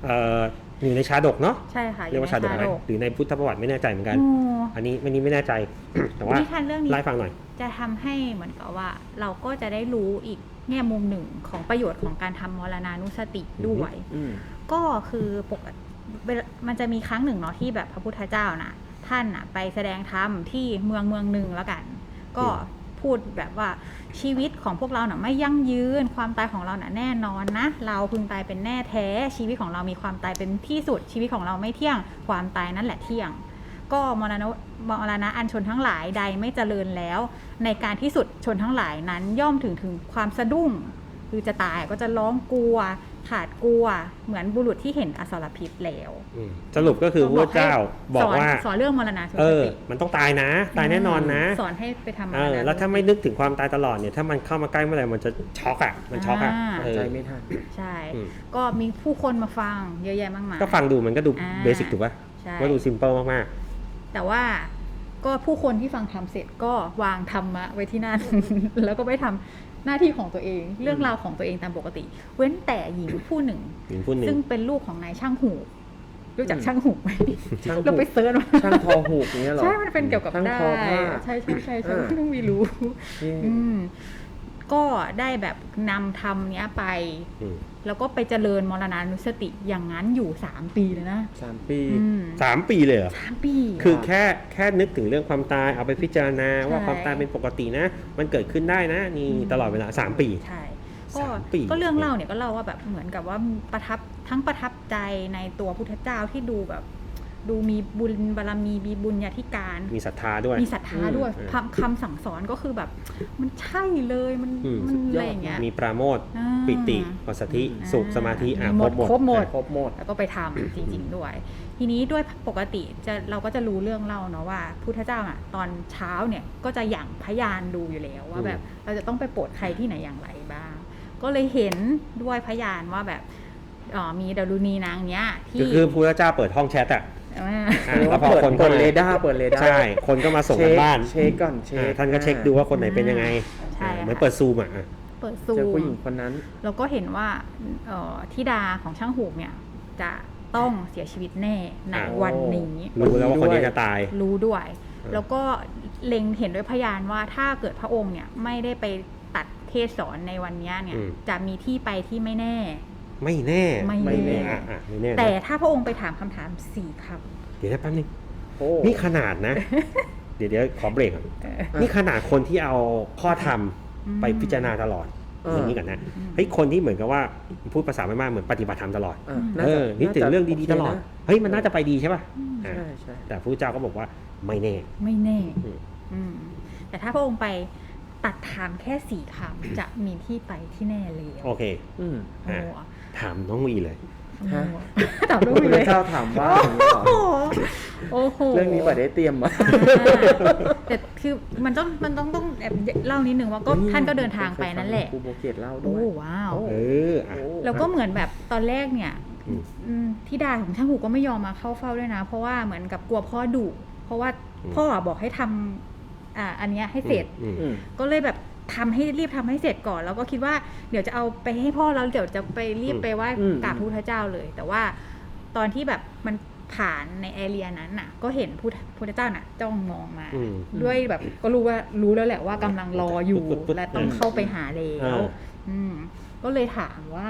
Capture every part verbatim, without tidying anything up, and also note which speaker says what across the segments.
Speaker 1: เอ่ออยู่ในชาดกเนาะ
Speaker 2: ใช่ค่ะ
Speaker 1: เรียกว่าชาดกไหมหรือในพุทธประวัติไม่แน่ใจเหมือนกันอันนี้อันนี้ไม่แน่ใจ แต่ว่าไล่ฟังหน่อย
Speaker 2: จะทำให้เหมือนกับว่าเราก็จะได้รู้อีกแง่มุมหนึ่งของประโยชน์ของการทำมรณานุสติด้วยก็คือปกติมันจะมีครั้งหนึ่งเนาะที่แบบพระพุทธเจ้านะท่านนะไปแสดงธรรมที่เมืองเมืองหนึ่งแล้วกันก็พูดแบบว่าชีวิตของพวกเราเน่ะไม่ยั่งยืนความตายของเราเน่ะแน่นอนนะเราพึงตายเป็นแน่แท้ชีวิตของเรามีความตายเป็นที่สุดชีวิตของเราไม่เที่ยงความตายนั่นแหละเที่ยงก็มรณะมรณะอันชนทั้งหลายใดไม่เจริญแล้วในการที่สุดชนทั้งหลายนั้นย่อมถึงถึงความสะดุ้งคือจะตายก็จะร้องกลัวขาดกลัวเหมือนบุรุษที่เห็นอสรพิษแล้ว
Speaker 1: สรุปก็คือพระเจ้าบอกว่า
Speaker 2: สอนเรื่องมรณะ
Speaker 1: เออมันต้องตายนะตายแน่นอนนะ
Speaker 2: สอนให้ไปทำ
Speaker 1: เออแล้วถ้าไม่นึกถึงความตายตลอดเนี่ยถ้ามันเข้ามาใกล้เมื่อไหร่มันจะช็อกอ่ะมันช็อกอ่ะ
Speaker 3: ใจไม่ทัน
Speaker 2: ใช่ก็มีผู้คนมาฟังเยอะแยะมากมาย
Speaker 1: ก็ฟังดูมันก็ดูเบสิกถูกป่ะว่าดูซิมเปิลมาก
Speaker 2: ๆแต่ว่าก็ผู้คนที่ฟังทำเสร็จก็วางธรรมะไว้ที่นั่นแล้วก็ไปทำหน้าที่ของตัวเองเรื่องราวของตัวเองตามปกติเว้นแต่หญิงผู้หนึ่งซึ่งเป็นลูกของนายช่างหูรู้จักช่างหูไหมเราไปเซิร์ชมา
Speaker 3: ช่างทอหูอย่างเงี้ยหรอ
Speaker 2: ใช่มันเป็นเกี่ยวกับได้ใช่ใช่ใช่ใช่ต้องมีรู้ก็ได้แบบนำธรรมเนี้ยไปแล้วก็ไปเจริญมรณานุสติอย่างนั้นอยู่สามปีเลยนะ
Speaker 3: สามปี
Speaker 1: สามปีเลยเหรอ
Speaker 2: สามปี
Speaker 1: คือแค่แค่นึกถึงเรื่องความตายเอาไปพิจารณาว่าความตายเป็นปกตินะมันเกิดขึ้นได้นะนี่ตลอดเวลาสามปี
Speaker 2: ใช่ก็ก็เรื่องเล่าเนี่ยก็เล่าว่าแบบเหมือนกับว่าประทับทั้งประทับใจในตัวพุทธเจ้าที่ดูแบบดูมีบุญบารมีมีบุญญาธิการ
Speaker 1: มีศรัทธาด้วย
Speaker 2: มีศรัทธาด้วยคำสั่งสอนก็คือแบบมันใช่เลยมันมันอะไรอย่างเงี้ย
Speaker 1: มีปราโมทย์ปิติปัสสัทธิสุขสมาธิ
Speaker 2: อ่ะครบหมดครบหมด
Speaker 3: ครบหมด
Speaker 2: แล้วก็ไปทำจริงๆด้วยทีนี้ด้วยปกติจะเราก็จะรู้เรื่องเล่าเนาะว่าพุทธเจ้าอ่ะตอนเช้าเนี่ยก็จะหยั่งพยานดูอยู่แล้วว่าแบบเราจะต้องไปโปรดใครที่ไหนอย่างไรบ้างก็เลยเห็นด้วยพยานว่าแบบอ๋อมีดารุณีนางเนี้ยที่
Speaker 1: คือพุทธเจ้าเปิดห้องแชทอ่ะ
Speaker 3: แล้วพอคนเปิดเรดาร์เปิดเรดาร์
Speaker 1: ใช่คนก็มาส่งกันบ้าน
Speaker 3: เช็คก่อนเช็ค
Speaker 1: ท่านก็เช็คดูว่าคนไหนเป็นยังไงเหมือนเปิดซูมอ่ะ
Speaker 2: เปิดซูม
Speaker 3: เจอผู้หญิงคนนั้น
Speaker 2: แล้วก็เห็นว่าธิดาของช่างหูกเนี่ยจะต้องเสียชีวิตแน่ในวันนี้
Speaker 1: รู้แล้วว่าคนนี้จะตาย
Speaker 2: รู้ด้วยแล้วก็เล็งเห็นด้วยพยานว่าถ้าเกิดพระองค์เนี่ยไม่ได้ไปตัดเทศสอนในวันนี้เนี่ยจะมีที่ไปที่ไม่แน่
Speaker 1: ไม่แน่
Speaker 2: ไม่แน่แต่ถ้าพระองค์ไปถามคำถามสี่คำ
Speaker 1: เดี๋ยวแป๊บนึงนี่ขนาดนะเดี๋ยวเดี๋ยวขอเบรกก่อนนี่ขนาดคนที่เอาข้อธรรมไปพิจารณาตลอดอย่างนี้กันนะเฮ้ยคนที่เหมือนกับว่าพูดภาษาไม่มากเหมือนปฏิบัติธรรมตลอดเออนี่ถึงเรื่องดีๆตลอดเฮ้ยมันน่าจะไปดีใช่ป่ะ
Speaker 3: ใช่ใช่
Speaker 1: แต่พระเจ้าก็บอกว่าไม่แน่
Speaker 2: ไม่แน่แต่ถ้าพระองค์ไปตัดถามแค่สี่คำจะมีที่ไปที่แน่เลย
Speaker 1: โอเคถามน้องวีเลย
Speaker 2: ถามน้องวีเลย
Speaker 3: เจ้าถามว่า
Speaker 2: โอ้โห
Speaker 3: เรื่องนี้ป่ะได้เตรียมมา
Speaker 2: แต่คือมันต้องมันต้องต้องแอบเล่านิดนึงว่าก็ท่านก็เดินทางไปนั่นแหละ
Speaker 3: ครูโบเกตเล่าด้วย
Speaker 2: โอ้ว้าวแล้วก็เหมือนแบบตอนแรกเนี่ยธิดาของช่างหูก็ไม่ยอมมาเข้าเฝ้าด้วยนะเพราะว่าเหมือนกับกลัวพ่อดุเพราะว่าพ่อบอกให้ทำอ่าอันนี้ให้เสร็จก็เลยแบบทำให้รีบทำให้เสร็จก่อนแล้วก็คิดว่าเดี๋ยวจะเอาไปให้พ่อแล้วเดี๋ยวจะไปรีบไปไหว้กราบพระพุทธเจ้าเลยแต่ว่าตอนที่แบบมันผ่านในแอเรียนั้นน่ะก็เห็นพุทธเจ้าน่ะจ้องมองมาด้วยแบบก็รู้ว่ารู้แล้วแหละว่ากำลังรออยู่และต้องเข้าไปหาแล้วก็เลยถามว่า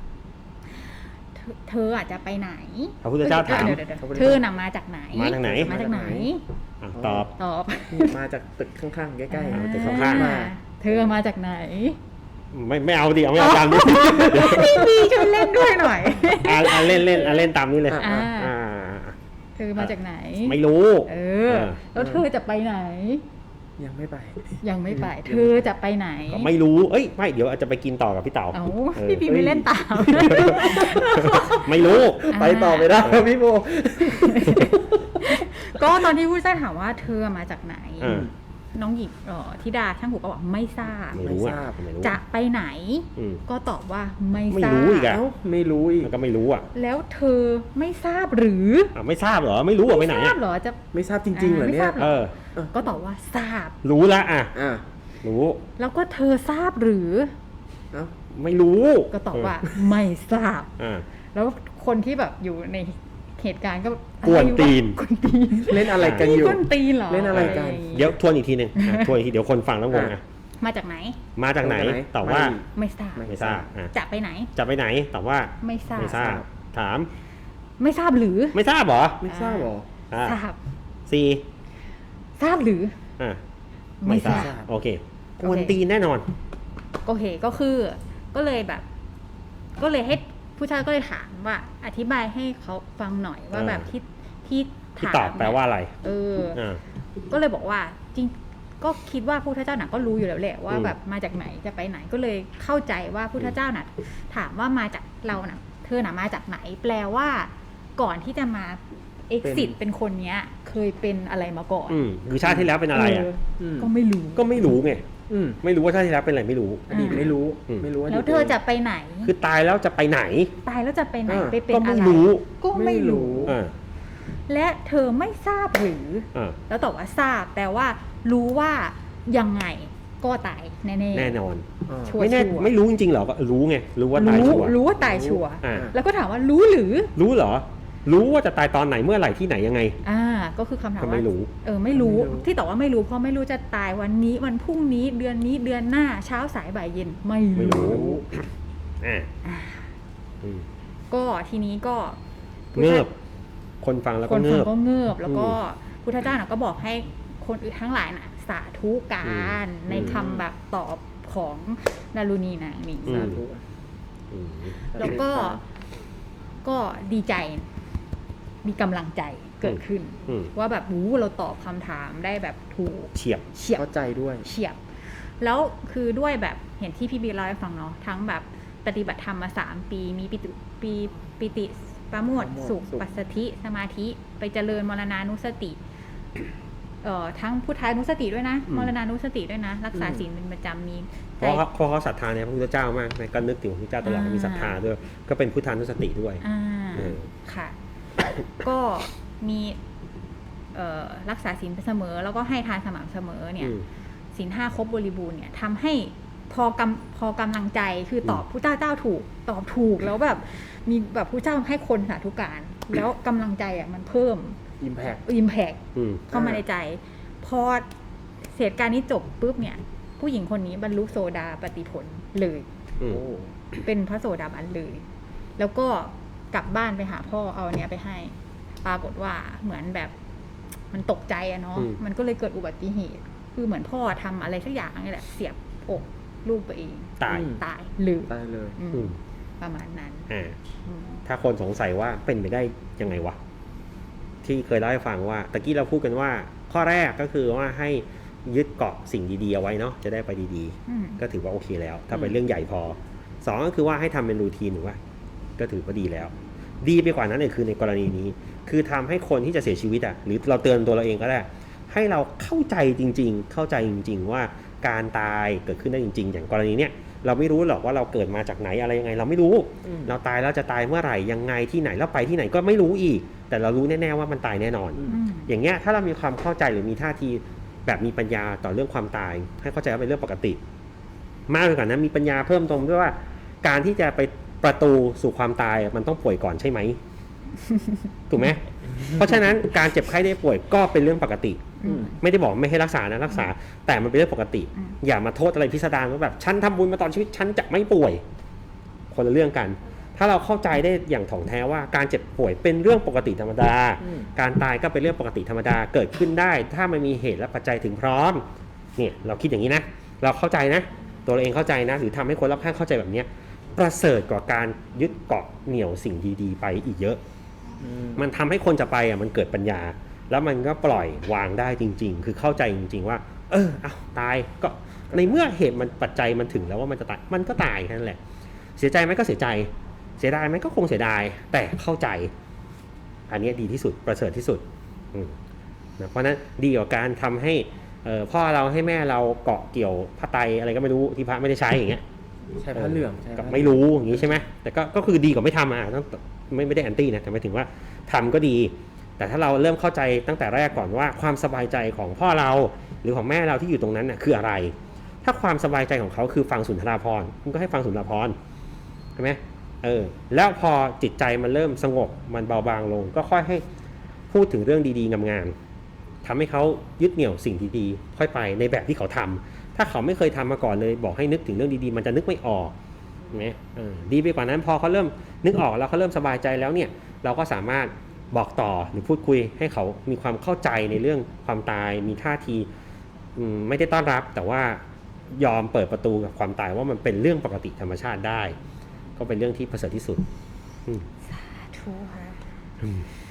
Speaker 2: เธออาจจะไปไหน
Speaker 1: พระพุทธเจ้าถาม
Speaker 2: เธอน่ะมาจากไหน
Speaker 1: มาจากไหน
Speaker 2: มาจากไหน
Speaker 1: ตอบ
Speaker 2: ตอบ
Speaker 3: มาจากตึกข้างๆใกล้
Speaker 1: ๆตึกข้างๆมา
Speaker 2: เธอมาจากไหน
Speaker 1: ไม่ไม่เอาดิเอาไม่เอาตามนี้
Speaker 2: มีช่วยเล่นด้วยหน่อย
Speaker 1: อ่าเล่นเล่นอ่าเล่นตามนี้เลย
Speaker 2: อ่าเธอมาจากไหน
Speaker 1: ไม่รู้
Speaker 2: เออแล้วเธอจะไปไหน
Speaker 3: ยังไม่ไป
Speaker 2: ยังไม่ไปเธอจะไปไหน
Speaker 1: ไม่รู้เอ้ยไม่เดี๋ยวอาจจะไปกินต่อกับพี่เต๋า
Speaker 2: เอ้าพี่ปีไม่เล่นตาม
Speaker 1: ไม่รู้
Speaker 3: ไปต่อไม่ได้พี่โบ
Speaker 2: ก็ตอนที่ผู้ชายถามว่าเธอมาจากไหนน้องหญิงธิดาช่างหูก็บอกไม่ทราบ
Speaker 1: ไม่ทราบ
Speaker 2: จะไปไหนก็ตอบว่าไม่ทราบ
Speaker 1: ไม่รู้อีกอ่ะ
Speaker 3: ไม่รู้อีก
Speaker 1: ก็ไม่รู้อ่ะ
Speaker 2: แล้วเธอไม่ทราบหรือ
Speaker 1: อ่ะไม่ทราบเหรอไม่รู้อ่ะไปไหน
Speaker 2: ไม่ทราบเหรอจะ
Speaker 3: ไม่ทราบจริงๆเหรอเนี่ย
Speaker 2: เออก็ตอบว่าทราบ
Speaker 1: รู้ละอ่ะรู้
Speaker 2: แล้วก็เธอทราบหรือ
Speaker 1: ไม่รู้
Speaker 2: ก็ตอบว่าไม่ทราบแล้วคนที่แบบอยู่ในเหตุการณ์ก็
Speaker 1: กวนตีน
Speaker 2: กวนตีน
Speaker 3: เล่นอะไรกันอยู่
Speaker 2: กวนตีนเหรอ
Speaker 3: เล่นอะไรกัน
Speaker 1: เดี๋ยวทวนอีกทีหนึ่งอ่ะทวนอีกทีเดี๋ยวคนฟังแล้วงงอ่ะ
Speaker 2: มาจากไหน
Speaker 1: มาจากไหน
Speaker 3: มาจากไหน
Speaker 1: ตอบว่า
Speaker 2: ไม่ทราบ
Speaker 3: ไม่
Speaker 1: ไม่ทราบอ่ะ
Speaker 2: จะไปไหน
Speaker 1: จะไปไหนตอบว่า
Speaker 2: ไม่ทราบ
Speaker 1: ไม่ทราบถาม
Speaker 2: ไม่ทราบหรือ
Speaker 1: ไม่ทราบเหรอ
Speaker 3: ไม่ทราบหรอ
Speaker 1: อ่ะ
Speaker 2: ทราบ
Speaker 1: สี่
Speaker 2: ทราบหรือ
Speaker 1: อ่ะ
Speaker 2: ไม่ทราบ
Speaker 1: โอเคกวนตีนแน่นอน
Speaker 2: โอเคก็คือก็เลยแบบ ก็เลยให้ผู้ชายก็เลยถามว่า อธิบายให้เขาฟังหน่อยว่า
Speaker 1: เออ
Speaker 2: แบบที่ที่
Speaker 1: ที่
Speaker 2: ถาม
Speaker 1: ตอบแปลว่าอะไร
Speaker 2: เออ
Speaker 1: อ่า
Speaker 2: ก็เลยบอกว่าจริงก็คิดว่าพุทธเจ้าน่ะก็รู้อยู่แล้วแหละว่า
Speaker 1: อืม
Speaker 2: แบบมาจากไหนจะไปไหนก็เลยเข้าใจว่าพุทธเจ้าน่ะ ถามว่ามาจากเราน่ะเธอน่ะมาจากไหน แปลว่าก่อนที่จะมา exit เป็นคนเนี้ย เคยเป็นอะไรมาก่อน
Speaker 1: อืมคือชาติที่แล้วเป็นอะไรอ่ะ
Speaker 2: เออก็ไม่รู้
Speaker 1: ก็ไม่รู้ไง
Speaker 3: อืม
Speaker 1: ไม่รู้ว่าชาติที่แล้วเป็นอะไรไม่รู้
Speaker 3: อดีตไม่รู้
Speaker 1: อืม
Speaker 3: ไม่รู้อดีต
Speaker 2: แล้วเธอจะไปไหน
Speaker 1: คือตายแล้วจะไปไหน
Speaker 2: ตายแล้วจะไปไหน
Speaker 3: เออ
Speaker 2: ไปเป็น
Speaker 1: ก็
Speaker 2: อะ
Speaker 1: ไม่
Speaker 2: ไร
Speaker 1: รู้
Speaker 2: ก็ไม่รู้
Speaker 1: อ่า
Speaker 2: และเธอไม่ทราบหรือ
Speaker 1: อ่า
Speaker 2: แล้วตอบว่าทราบแปลว่า รู้ว่ายังไงก็ตายแน่ๆ
Speaker 1: แน่นอน
Speaker 3: อ่า
Speaker 2: ชัวร์
Speaker 1: ไม่แน่ไม่รู้จริงๆเหรอก็รู้ไงรู้ว่าตาย
Speaker 2: รู้
Speaker 1: ชัวร์
Speaker 2: รู้ว่าตายชัวร์
Speaker 1: อ่า
Speaker 2: แล้วก็ถามว่ารู้หรือ
Speaker 1: รู้เหรอ รู้ว่าจะตายตอนไหนเมื่อไหร่ที่ไหนยังไง
Speaker 2: อ่า ก็คือคำถาม
Speaker 1: ก็
Speaker 2: ว่า
Speaker 1: ไม่รู้
Speaker 2: เออไม่รู้
Speaker 3: ไม่รู้
Speaker 2: ที่ตอบว่าไม่รู้เพราะไม่รู้จะตายวันนี้วันพรุ่งนี้เดือนนี้เดือนหน้าเช้าสายบ่ายเย็นไม่
Speaker 1: ไม่รู้
Speaker 2: รู้
Speaker 1: อ่าอืม
Speaker 2: ก็ทีนี้ก็
Speaker 1: เงิบคนฟังแล้ว
Speaker 2: ค
Speaker 1: ก็
Speaker 2: น
Speaker 1: เงิ
Speaker 2: ฟัง
Speaker 1: บ
Speaker 2: ก็เงิบแล้วก็
Speaker 1: อื
Speaker 2: พุทธเจ้าน่ะก็บอกให้คนอื่นทั้งหลายน่ะ สาธุการ
Speaker 1: อืม
Speaker 2: ในคำแบบตอบของดารุณีนางนี้
Speaker 1: อืม
Speaker 3: สาธุ
Speaker 1: อืม
Speaker 2: แล้วก็ก็ดีใจ มีกำลังใจเกิดขึ้น
Speaker 1: อืม
Speaker 2: ว่าแบบวู้เราตอบคำถามได้แบบถูก
Speaker 1: เฉียบ
Speaker 2: เฉียบ
Speaker 3: เข้าใจด้วย
Speaker 2: เฉียบ แล้วคือด้วยแบบเห็นที่พี่บีเล่าให้ฟังเนาะทั้งแบบปฏิบัติธรรมมาสามปีมีปิติปีปิติประโมท
Speaker 3: ประโมท
Speaker 2: สุข
Speaker 3: สุข
Speaker 2: ปัสสธิสมาธิไปเจริญมรณานุสติเอ่อทั้งพุทธานุสติด้วยนะ
Speaker 1: อืม
Speaker 2: มรณานุสติด้วยนะ รักษา
Speaker 3: อืม
Speaker 2: ศีลเป็นประจำมี
Speaker 1: เพ
Speaker 2: ใจ
Speaker 1: ราะเขาเพราะเขาศรัทธาในพระพุทธเจ้ามากนะก็นึกถึงพระพุทธเจ้าตลอด
Speaker 2: อ่ามี
Speaker 1: มีศรัทธาด้วย ก็เป็นพุทธานุสติด้วย
Speaker 2: อ่า
Speaker 1: เออ
Speaker 2: ค่ะ ก็มีเอ่อรักษาศีลเสมอ แล้วก็ให้ทานสม่ำเสมอเนี่ย
Speaker 1: อืม
Speaker 2: ศีลห้าครบบริบูรณ์เนี่ยทำให้พอกำพอกำลังใจคือตอบผู้เจ้าเจ้าถูก ตอบถูกแล้วแบบมีแบบผู้เจ้าให้คนสาธุการ แล้วกำลังใจอ่ะมันเพิ่ม
Speaker 3: impact
Speaker 2: อิมแพก
Speaker 1: อืม
Speaker 2: เข้ามาในใจ พอเหตุการณ์นี้จบปุ๊บเนี่ย ผู้หญิงคนนี้บรรลุโสดาปฏิผลเลย
Speaker 1: อืม
Speaker 3: โอ้
Speaker 2: เป็นพระโสดาบันเลย แล้วก็กลับบ้านไปหาพ่อเอาอันเนี้ยไปให้ ปรากฏว่าเหมือนแบบมันตกใจอะเนาะ
Speaker 1: อืม
Speaker 2: มันก็เลยเกิดอุบัติเหตุ คือเหมือนพ่อทำอะไรสักอย่างนี่แหละ เสียบอกลูกตัวเอง
Speaker 1: ตาย
Speaker 3: อืม
Speaker 2: ตายเลย
Speaker 3: ตายเลย
Speaker 2: อืม
Speaker 1: อืม
Speaker 2: ประมาณนั้น
Speaker 1: อ่า
Speaker 2: อืม
Speaker 1: ถ้าคนสงสัยว่าเป็นไปได้ยังไงวะ ที่เคยเล่าให้ฟังว่าตะกี้เราพูดกันว่า ข้อแรกก็คือว่าให้ยึดเกาะสิ่งดีๆเอาไว้เนาะจะได้ไปดี
Speaker 2: อืม
Speaker 1: ๆ ก็ถือว่าโอเคแล้ว ถ้าเป็น
Speaker 3: อืม
Speaker 1: เรื่องใหญ่พอสองก็คือว่าให้ทำเป็นรูทีนหรือว่า ก็ถือว่าดีแล้ว ดีไปกว่านั้นเลยคือในกรณีนี้ คือทำให้คนที่จะเสียชีวิตอ่ะหรือเราเตือนตัวเราเองก็ได้ ให้เราเข้าใจจริง ๆ เข้าใจจริง ๆ ว่าการตายเกิดขึ้นได้จริง ๆ อย่างกรณีเนี้ยเราไม่รู้หรอกว่าเราเกิดมาจากไหนอะไรยังไง เราไม่รู้
Speaker 3: อืม
Speaker 1: เราตายแล้วจะตายเมื่อไหร่ยังไงที่ไหนแล้วไปที่ไหนก็ไม่รู้อีก แต่เรารู้แน่ๆว่ามันตายแน่นอน
Speaker 3: อืม
Speaker 2: อืม
Speaker 1: อย่างเงี้ยถ้าเรามีความเข้าใจหรือมีท่าทีแบบมีปัญญาต่อเรื่องความตาย ให้เข้าใจว่าเป็นเรื่องปกติ มากไปกว่านั้นมีปัญญาเพิ่มตรงด้วยว่า การที่จะไปประตูสู่ความตายมันต้องป่วยก่อนใช่ไหม ถูกไหมเพราะฉะนั้นการเจ็บไข้ได้ป่วยก็เป็นเรื่องปกติ
Speaker 2: อืม
Speaker 1: ไม่ได้บอกไม่ให้รักษานะรักษา แต่มันเป็นเรื่องปกติ
Speaker 2: อืม
Speaker 1: อย่ามาโทษอะไรพิสดารว่าแบบฉันทำบุญมาตอนชีวิตฉันจะไม่ป่วย คนละเรื่องกัน ถ้าเราเข้าใจได้อย่างถ่องแท้ว่าการเจ็บป่วยเป็นเรื่องปกติธรรมดา
Speaker 3: อืม
Speaker 1: การตายก็เป็นเรื่องปกติธรรมดาเกิดขึ้นได้ ถ้ามันมีเหตุและปัจจัยถึงพร้อมเนี่ยเราคิดอย่างนี้นะ เราเข้าใจนะ ตัวเราเองเข้าใจนะ หรือทำให้คนรอบข้างเข้าใจแบบเนี้ยประเสริฐกว่าการยึดเกาะเหนี่ยวสิ่งดีๆ ไปอีกเยอะ
Speaker 3: อืม
Speaker 1: มันทำให้คนจะไปอ่ะมันเกิดปัญญา แล้วมันก็ปล่อยวางได้จริง ๆ คือเข้าใจจริง ๆ ว่า เออเอาตายก็ในเมื่อเหตุมันปัจจัยมันถึงแล้วว่ามันจะตายมันก็ตายแค่นั้นแหละ เสียใจไหมก็เสียใจ เสียดายไหมก็คงเสียดาย แต่เข้าใจ อันนี้ดีที่สุดประเสริฐที่สุดอืมนะเพราะฉะนั้นดีกว่าการทำให้เอ่อพ่อเราให้แม่เราเกาะเกี่ยวผ้าไตรอะไรก็ไม่รู้ที่พระไม่ได้ใช้อย่างเงี้ย
Speaker 3: ใช่ผ้าเหลืองใช่
Speaker 1: กับ
Speaker 3: ผ้า
Speaker 1: ไม่รู้อย่างนี้ใช่ไหมแต่ก็ก็คือดีกว่าไม่ทำอ่ะต้องไม่ไม่ได้แอนตี้นะแต่หมายถึงว่าทำก็ดี แต่ถ้าเราเริ่มเข้าใจตั้งแต่แรกก่อนว่าความสบายใจของพ่อเราหรือของแม่เราที่อยู่ตรงนั้นน่ะคืออะไร ถ้าความสบายใจของเขาคือฟังสุนทราภรณ์คุณก็ให้ฟังสุนทราภรณ์ใช่ไหมเออแล้วพอจิตใจมันเริ่มสงบมันเบาบางลงก็ค่อยให้พูดถึงเรื่องดีๆงามๆทำให้เขายึดเหนี่ยวสิ่งดีๆค่อยไปในแบบที่เขาทำถ้าเขาไม่เคยทำมาก่อนเลยบอกให้นึกถึงเรื่องดีๆมันจะนึกไม่ออกนะเออดีไปกว่านั้นพอเขาเริ่มนึกออกแล้วเขาเริ่มสบายใจแล้วเนี่ยเราก็สามารถบอกต่อหรือพูดคุยให้เขามีความเข้าใจในเรื่องความตายมีท่าทีไม่ได้ต้อนรับแต่ว่ายอมเปิดประตูกับความตายว่ามันเป็นเรื่องปกติธรรมชาติได้ก็เป็นเรื่องที่ประเสริฐที่สุด
Speaker 2: สาธุค่ะ